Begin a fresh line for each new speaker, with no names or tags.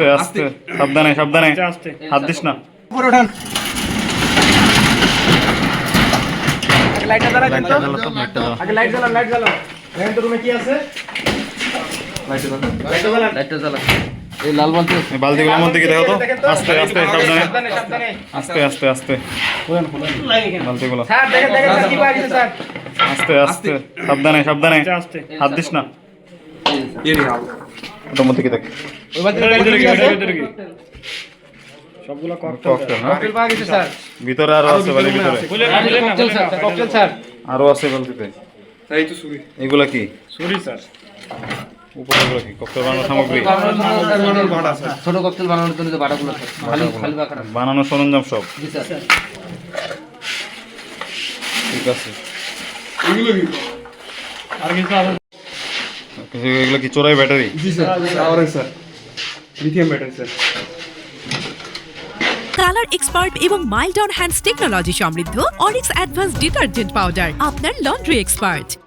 আস্তে আস্তে সাবধানে সাবধানে হাত দিস না।
উপরে ওঠান। আগে লাইটটা জ্বালা দেন তো। আগে লাইট জ্বালান, লাইট জ্বালান। দেখেন তো রুমে কি আছে। লাইটটা জ্বালান।
এই লাল বালতি
এই বালতিগুলোর মধ্যে কি দেখো তো। আস্তে আস্তে সাবধানে
সাবধানে, সাবধানে।
আস্তে আস্তে আস্তে বালতিগুলো
স্যার দেখেন দেখেন স্যার কি পাওয়া গেছে স্যার।
আস্তে আস্তে সাবধানে সাবধানে হাত দিস না। ওটার মধ্যে কি দেখ
ওই বালতির কি আছে?
সবগুলো
ককটেল না
ককটেল পাওয়া গেছে স্যার।
ভিতরে আরো আছে বালির ভিতরে
ককটেল স্যার, ককটেল স্যার।
আরো আছে বালতিতে।
এই তো ছুরি
এগুলা কি
ছুরি স্যার।
উপরে এগুলো কি ককটেল বানানোর সামগ্রী
ছোট ককটেল বানানোর জন্য যে বাটাগুলো আছে খালি খালি বাটা
বানানোর সরঞ্জাম সব
জি স্যার।
ঠিক আছে।
আর কিছু আছে?
এগুলো কি চোরাই ব্যাটারি?
জি sir. Power sir. Lithium battery sir.
Colour expert এবং মাইল্ড অন হ্যান্ডস টেকনোলজি সমৃদ্ধ অরিক্স অ্যাডভান্স ডিটারজেন্ট পাউডার আপনার লন্ড্রি এক্সপার্ট।